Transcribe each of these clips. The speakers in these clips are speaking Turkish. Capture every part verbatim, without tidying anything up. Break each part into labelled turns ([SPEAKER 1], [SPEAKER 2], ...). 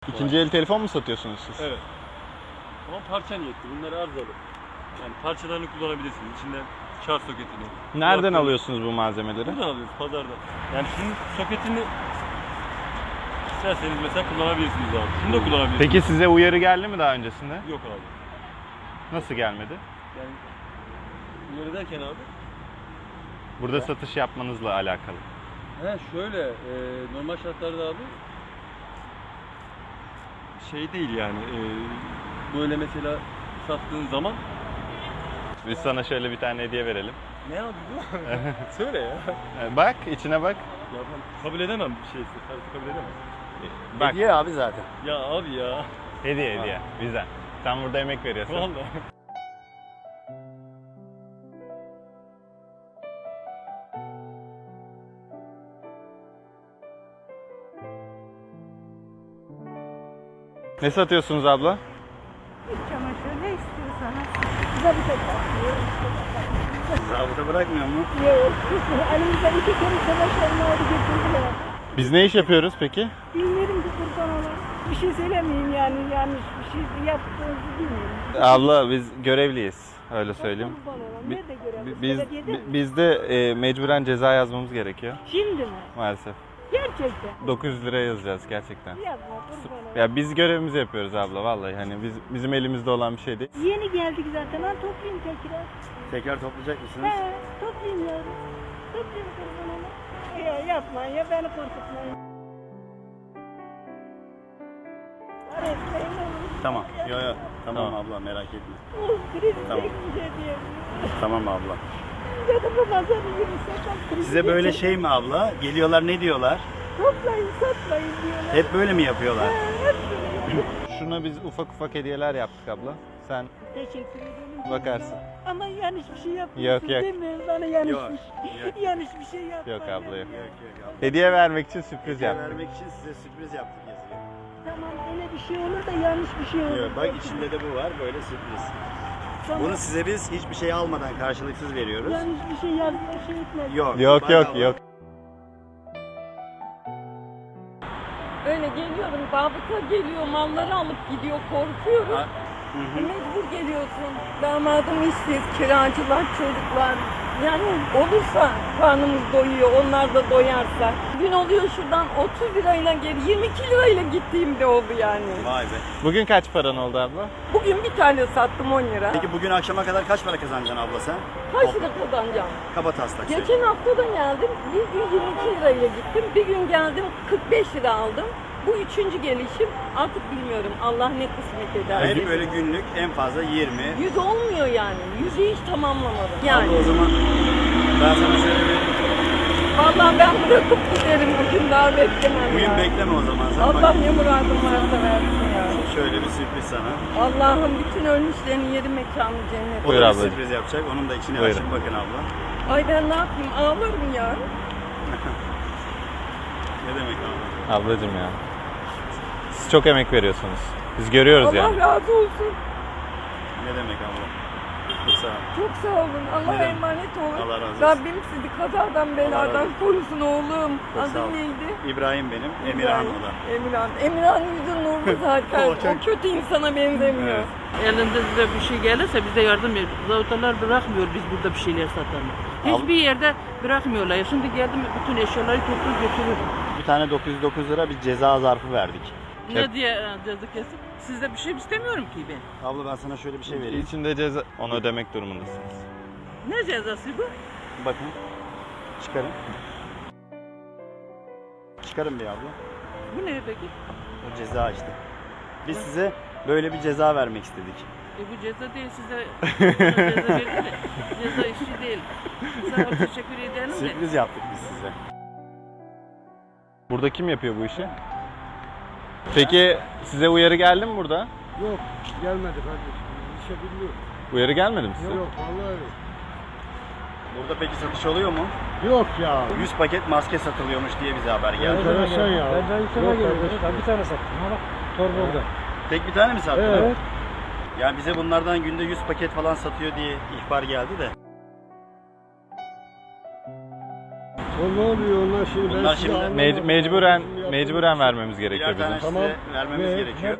[SPEAKER 1] İkinci el telefon mu satıyorsunuz siz?
[SPEAKER 2] Evet. Ama parça niyetli. Bunlar arızalı. Yani parçalarını kullanabilirsiniz. İçinden şarj soketini.
[SPEAKER 1] Nereden
[SPEAKER 2] kulaklığı.
[SPEAKER 1] alıyorsunuz bu malzemeleri?
[SPEAKER 2] Buradan alıyoruz pazardan. Yani şunun soketini isterseniz mesela kullanabilirsiniz abi. Şunu da kullanabilirsiniz.
[SPEAKER 1] Peki size uyarı geldi mi daha öncesinde?
[SPEAKER 2] Yok abi.
[SPEAKER 1] Nasıl gelmedi?
[SPEAKER 2] Yani uyarı derken abi.
[SPEAKER 1] Burada
[SPEAKER 2] Ya.
[SPEAKER 1] satış yapmanızla alakalı.
[SPEAKER 2] He şöyle e, normal şartlarda abi şey değil yani e, böyle mesela sattığın zaman.
[SPEAKER 1] Biz sana şöyle bir tane hediye verelim.
[SPEAKER 2] Ne abi bu? Söyle ya.
[SPEAKER 1] Bak, içine bak.
[SPEAKER 2] Ya ben kabul edemem bir şeysi. Kartı kabul edemem.
[SPEAKER 1] Bak.
[SPEAKER 3] Hediye abi zaten.
[SPEAKER 2] Ya abi ya.
[SPEAKER 1] Hediye hediye. Bizden. Sen burada emek veriyorsun.
[SPEAKER 2] Vallahi.
[SPEAKER 1] Ne satıyorsunuz abla?
[SPEAKER 4] İç çamaşır ne istiyorsanız. Bize bir tek bakmıyor.
[SPEAKER 3] Zabıta bırakmıyor mu?
[SPEAKER 4] Yok. Elimizden iki kere çamaşırını aldı getirdiler.
[SPEAKER 1] Biz ne iş yapıyoruz peki?
[SPEAKER 4] Bilmiyorum ki kurban olan. Bir şey söylemeyeyim yani yanlış bir şey yaptığınızı bilmiyorum.
[SPEAKER 1] Abla biz görevliyiz. Öyle söyleyeyim.
[SPEAKER 4] Kurban olan.
[SPEAKER 1] Bi-
[SPEAKER 4] Nerede görelim?
[SPEAKER 1] Biz,
[SPEAKER 4] Belediyede mi?
[SPEAKER 1] biz de e, mecburen ceza yazmamız gerekiyor
[SPEAKER 4] Şimdi mi?
[SPEAKER 1] maalesef.
[SPEAKER 4] Gerçekten.
[SPEAKER 1] dokuz yüz lira yazacağız gerçekten.
[SPEAKER 4] Yapma kurban olan.
[SPEAKER 1] Ya biz görevimizi yapıyoruz abla vallahi hani biz bizim elimizde olan bir şey değil.
[SPEAKER 4] Yeni geldik zaten. Ha toplayayım tekrar.
[SPEAKER 3] Tekrar toplayacak mısınız?
[SPEAKER 4] He toplayayım yavrum. Toplayayım kurban olan. Ya yapmayın ya beni korkutmayın. Öğretmeyin olur.
[SPEAKER 3] Tamam. Yo yo. Tamam,
[SPEAKER 1] Tamam.
[SPEAKER 3] abla merak etme.
[SPEAKER 4] Oh, kriz
[SPEAKER 3] Tamam.
[SPEAKER 4] çekince diye.
[SPEAKER 3] Tamam abla.
[SPEAKER 4] Dedim bu pazarı yürüsek. kriz
[SPEAKER 3] Size böyle
[SPEAKER 4] geçecek.
[SPEAKER 3] şey mi abla? Geliyorlar ne diyorlar?
[SPEAKER 4] Toplayın satmayın diyorlar.
[SPEAKER 3] Hep böyle mi yapıyorlar?
[SPEAKER 4] Ha, hep böyle.
[SPEAKER 1] Şuna biz ufak ufak hediyeler yaptık abla. Sen
[SPEAKER 4] Teşekkür ederim.
[SPEAKER 1] bakarsın.
[SPEAKER 4] Ama yanlış bir şey yapmıyorsun
[SPEAKER 1] Yok, yok.
[SPEAKER 4] değil mi? Bana yanlış
[SPEAKER 3] Yok,
[SPEAKER 4] bir şey.
[SPEAKER 3] yok.
[SPEAKER 4] Yanlış bir şey yapma.
[SPEAKER 1] Yok abla yok.
[SPEAKER 3] Yok yok abla.
[SPEAKER 1] Hediye vermek için sürpriz
[SPEAKER 3] Hediye
[SPEAKER 1] yaptık.
[SPEAKER 3] vermek için size sürpriz yaptık yazıyor.
[SPEAKER 4] Tamam öyle bir şey olur da yanlış bir şey olur.
[SPEAKER 3] Yok, bak içinde de bu var böyle sürpriz.
[SPEAKER 4] Tamam.
[SPEAKER 3] Bunu size biz hiçbir şey almadan karşılıksız veriyoruz.
[SPEAKER 4] Yanlış bir şey yazma şey etmez.
[SPEAKER 3] Yok.
[SPEAKER 1] Yok yok
[SPEAKER 3] bedava.
[SPEAKER 1] yok.
[SPEAKER 5] Öyle geliyorum, zabıta geliyor, malları alıp gidiyor, korkuyorum.
[SPEAKER 3] Ha, Hı hı.
[SPEAKER 5] Mecbur geliyorsun. Damadım işsiz, kiracılar, çocuklar. Yani olursa karnımız doyuyor, onlar da doyarsa. Gün oluyor şuradan otuz lirayla geri, yirmi iki lirayla gittiğim de oldu yani.
[SPEAKER 3] Vay be.
[SPEAKER 1] Bugün kaç paran oldu abla?
[SPEAKER 5] Bugün bir tane sattım on lira.
[SPEAKER 3] Peki bugün akşama kadar kaç para kazanacaksın abla sen?
[SPEAKER 5] Kaç lira kazanacağım?
[SPEAKER 3] Kaba taslak söyle.
[SPEAKER 5] Geçen hafta da geldim, bir gün yirmi iki lirayla gittim, bir gün geldim kırk beş lira aldım. Bu üçüncü gelişim, artık bilmiyorum Allah ne kısmet eder.
[SPEAKER 3] Yani böyle günlük en fazla yirmi.
[SPEAKER 5] Yüz olmuyor yani, yüzü hiç tamamlamadım. Yani.
[SPEAKER 3] Abla o zaman ben sana şöyle bir...
[SPEAKER 5] Vallahi ben bırakıp giderim bugün, daha beklemem
[SPEAKER 3] Bugün
[SPEAKER 5] ya.
[SPEAKER 3] bekleme o zaman. Sen
[SPEAKER 5] Allah
[SPEAKER 3] bak,
[SPEAKER 5] ne muradım varsa versin ya.
[SPEAKER 3] şöyle bir sürpriz sana.
[SPEAKER 5] Allah'ım bütün ölmüşlerin yeri mekanı cennet.
[SPEAKER 3] O
[SPEAKER 1] Buyur
[SPEAKER 3] da bir
[SPEAKER 1] ablacığım.
[SPEAKER 3] sürpriz yapacak. Onun da içine
[SPEAKER 1] Buyurun.
[SPEAKER 3] açın bakın abla.
[SPEAKER 5] Ay ben ne yapayım, ağlarım ya.
[SPEAKER 3] Ne demek abla?
[SPEAKER 1] Ablacım ya. Siz çok emek veriyorsunuz. Biz görüyoruz
[SPEAKER 5] Allah
[SPEAKER 1] yani.
[SPEAKER 5] razı olsun.
[SPEAKER 3] Ne demek abla? Çok sağ ol.
[SPEAKER 5] Çok sağ olun. Allah'a
[SPEAKER 3] Ne demek?
[SPEAKER 5] emanet olun.
[SPEAKER 3] Allah razı olsun.
[SPEAKER 5] Rabbim sizi kazadan
[SPEAKER 3] razı
[SPEAKER 5] beladan
[SPEAKER 3] olsun.
[SPEAKER 5] korusun oğlum.
[SPEAKER 3] Çok sağ ol.
[SPEAKER 5] Adın neydi?
[SPEAKER 3] İbrahim benim. Emirhan o da.
[SPEAKER 5] Emirhan. Emirhan yüzü nurlu zaten.
[SPEAKER 3] O çok-
[SPEAKER 5] O kötü insana benzemiyor.
[SPEAKER 3] Evet.
[SPEAKER 6] Elinde size bir şey gelirse bize yardım edin. Zavutalar bırakmıyor biz burada bir şeyler satalım. Hiçbir yerde bırakmıyorlar. Ya şimdi geldim bütün eşyaları toplu götürür.
[SPEAKER 3] Bir tane dokuz yüz dokuz lira bir ceza zarfı verdik.
[SPEAKER 6] Ne diye e, ceza kesip? Sizde bir şey istemiyorum ki ben.
[SPEAKER 3] Abla ben sana şöyle bir şey vereyim.
[SPEAKER 1] İçinde ceza onu ödemek durumundasınız.
[SPEAKER 6] Ne cezası bu?
[SPEAKER 3] Bakın. Çıkarın. Çıkarın bir abla.
[SPEAKER 6] Bu ne peki?
[SPEAKER 3] O ceza işte. Biz size böyle bir ceza vermek istedik.
[SPEAKER 6] E bu ceza değil size. Buna ceza verir de. Ceza işi değil. Sana teşekkür edelim de.
[SPEAKER 3] Sürpriz yaptık biz size.
[SPEAKER 1] Burada kim yapıyor bu işi? Peki size uyarı geldi mi burada?
[SPEAKER 7] Yok gelmedi kardeşim. İşe bilmiyorum.
[SPEAKER 1] Uyarı gelmedi mi size?
[SPEAKER 7] Yok vallahi yok.
[SPEAKER 3] Burada peki satış oluyor mu?
[SPEAKER 7] Yok ya.
[SPEAKER 3] yüz paket maske satılıyormuş diye bize haber geldi.
[SPEAKER 7] Enteresan ya. Ben ben sana geldim. Ben bir tane sattım. Ha bak torba orada.
[SPEAKER 3] Tek bir tane mi sattın?
[SPEAKER 7] Evet.
[SPEAKER 3] Yani bize bunlardan günde yüz paket falan satıyor diye ihbar geldi de.
[SPEAKER 7] O ne oluyor onlar şimdi? Ben
[SPEAKER 3] Bunlar
[SPEAKER 7] size
[SPEAKER 3] şimdi
[SPEAKER 7] anlamadım.
[SPEAKER 1] Mec- mecburen
[SPEAKER 7] Yapalım.
[SPEAKER 1] mecburen vermemiz gerekiyor
[SPEAKER 3] Birer tane
[SPEAKER 1] bizim.
[SPEAKER 3] size
[SPEAKER 7] Tamam.
[SPEAKER 3] vermemiz
[SPEAKER 7] Ve-
[SPEAKER 3] gerekiyor.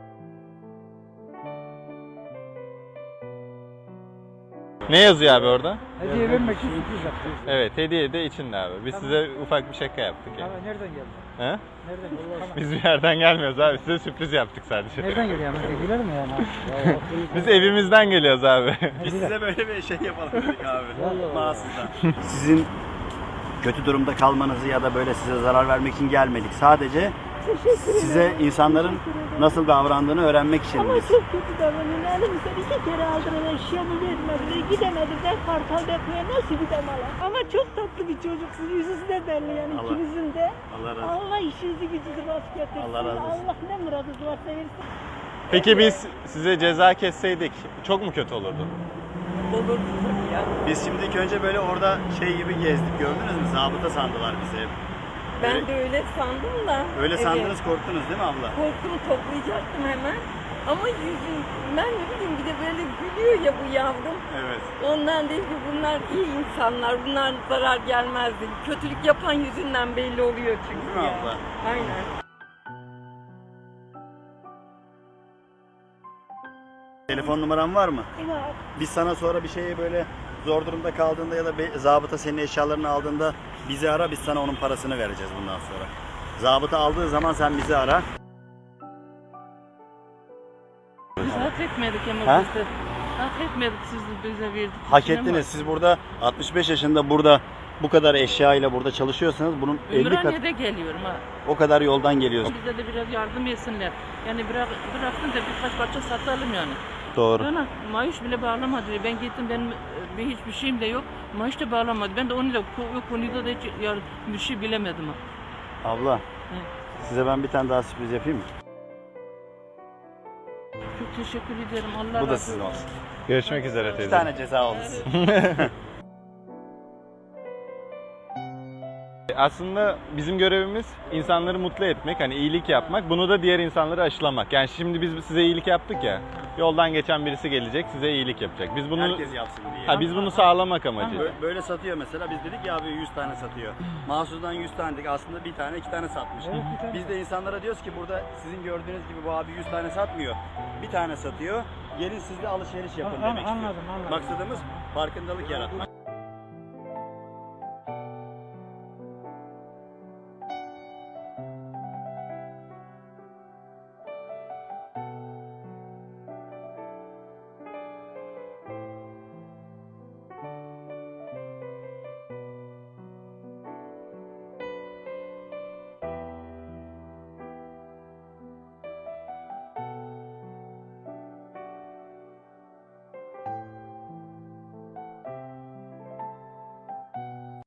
[SPEAKER 1] Ne yazıyor abi orada?
[SPEAKER 7] Hediye vermek için sürpriz yaptım.
[SPEAKER 1] Evet, hediye de içinde abi. Biz size ufak bir şaka yaptık yani.
[SPEAKER 7] Tamam, nereden geldi?
[SPEAKER 1] He?
[SPEAKER 7] Nereden geldi? Tamam.
[SPEAKER 1] Biz bir yerden gelmiyoruz abi. Size sürpriz yaptık sadece.
[SPEAKER 7] Nereden geliyor yani? Güler mi yani?
[SPEAKER 1] Biz evimizden geliyoruz abi.
[SPEAKER 3] Biz size böyle bir şey yapalım dedik abi.
[SPEAKER 7] Vallahi.
[SPEAKER 3] Mahsustan. Sizin kötü durumda kalmanızı ya da böyle size zarar vermek için gelmedik. Sadece size insanların nasıl davrandığını öğrenmek için
[SPEAKER 4] Ama
[SPEAKER 3] biz.
[SPEAKER 4] çok kötü davranıyor. Elimizden iki kere aldılar, eşyamı vermediler. Gidemedim, ben Kartal Depo'ya nasıl gidem ala? Ama çok tatlı bir çocuksun, yüzünüz de belli yani
[SPEAKER 3] Allah-
[SPEAKER 4] ikinizin de.
[SPEAKER 3] Allah razı olsun.
[SPEAKER 4] Allah işinizi gücünüzü rast getirsin.
[SPEAKER 3] Allah razı olsun.
[SPEAKER 4] Allah ne muradınız varsa versin.
[SPEAKER 1] Peki biz size ceza kesseydik çok mu kötü olurdu?
[SPEAKER 5] Olur ya.
[SPEAKER 3] Biz şimdi ilk önce böyle orada şey gibi gezdik, gördünüz mü? Zabıta sandılar bizi hep.
[SPEAKER 5] Ben
[SPEAKER 3] Öyle-
[SPEAKER 5] de öyle sandım da.
[SPEAKER 3] Öyle
[SPEAKER 5] Evet.
[SPEAKER 3] sandınız, korktunuz değil mi abla?
[SPEAKER 5] Korkumu toplayacaktım hemen. Ama yüzüm, ben ne bileyim bir de böyle gülüyor ya bu yavrum.
[SPEAKER 3] Evet.
[SPEAKER 5] Ondan değil ki bunlar iyi insanlar, bunlar zarar gelmezdi. Kötülük yapan yüzünden belli oluyor çünkü
[SPEAKER 3] Değil mi
[SPEAKER 5] ya.
[SPEAKER 3] abla?
[SPEAKER 5] Aynen.
[SPEAKER 3] Telefon numaran var mı?
[SPEAKER 4] Var.
[SPEAKER 3] Biz sana sonra bir şeye böyle zor durumda kaldığında ya da bir zabıta senin eşyalarını aldığında bizi ara, biz sana onun parasını vereceğiz bundan sonra. Zabıta aldığı zaman sen bizi ara.
[SPEAKER 6] Biz hak etmedik ama
[SPEAKER 3] Ha?
[SPEAKER 6] biz de. Hak etmedik siz de bize verdik.
[SPEAKER 3] Hak
[SPEAKER 6] İçine mi?
[SPEAKER 3] ettiniz. Siz burada altmış beş yaşında burada bu kadar eşya ile burada çalışıyorsanız bunun elli kat
[SPEAKER 6] Ümraniye'de geliyorum ha.
[SPEAKER 3] o kadar yoldan geliyorsunuz.
[SPEAKER 6] Bize de biraz yardım etsinler. Yani bırak, bıraksın da birkaç parça satalım yani.
[SPEAKER 3] Doğru.
[SPEAKER 6] Bana maaş bile bağlamadı. Ben gittim, benim e, bir hiçbir şeyim de yok. Maaş da bağlamadı. Ben de onu da o konuda da hiç yar- bir şey bilemedim. ha.
[SPEAKER 3] Abla, size ben bir tane daha sürpriz yapayım mı?
[SPEAKER 6] Çok teşekkür ederim. Allah
[SPEAKER 3] Bu da
[SPEAKER 6] razı
[SPEAKER 3] sizin
[SPEAKER 6] olsun.
[SPEAKER 3] olsun.
[SPEAKER 1] Görüşmek üzere
[SPEAKER 3] Bir
[SPEAKER 1] teyze.
[SPEAKER 3] tane ceza oldu size.
[SPEAKER 1] Aslında bizim görevimiz insanları mutlu etmek, hani iyilik yapmak. Bunu da diğer insanları aşılamak. Yani şimdi biz size iyilik yaptık ya. Yoldan geçen birisi gelecek, size iyilik yapacak. Biz bunu
[SPEAKER 3] Herkes yapsın diye.
[SPEAKER 1] ha, biz bunu sağlamak amacı.
[SPEAKER 3] Bö- Böyle satıyor mesela. Biz dedik ya abi yüz tane satıyor. Mahsus'dan yüz tane dedik. Aslında bir tane iki tane satmış.
[SPEAKER 7] Evet, bir tane.
[SPEAKER 3] Biz de insanlara diyoruz ki burada sizin gördüğünüz gibi bu abi yüz tane satmıyor. Bir tane satıyor. Gelin siz de alışveriş yapın
[SPEAKER 7] An-
[SPEAKER 3] demek istiyor.
[SPEAKER 7] anladım, anladım.
[SPEAKER 3] Maksadımız farkındalık yaratmak.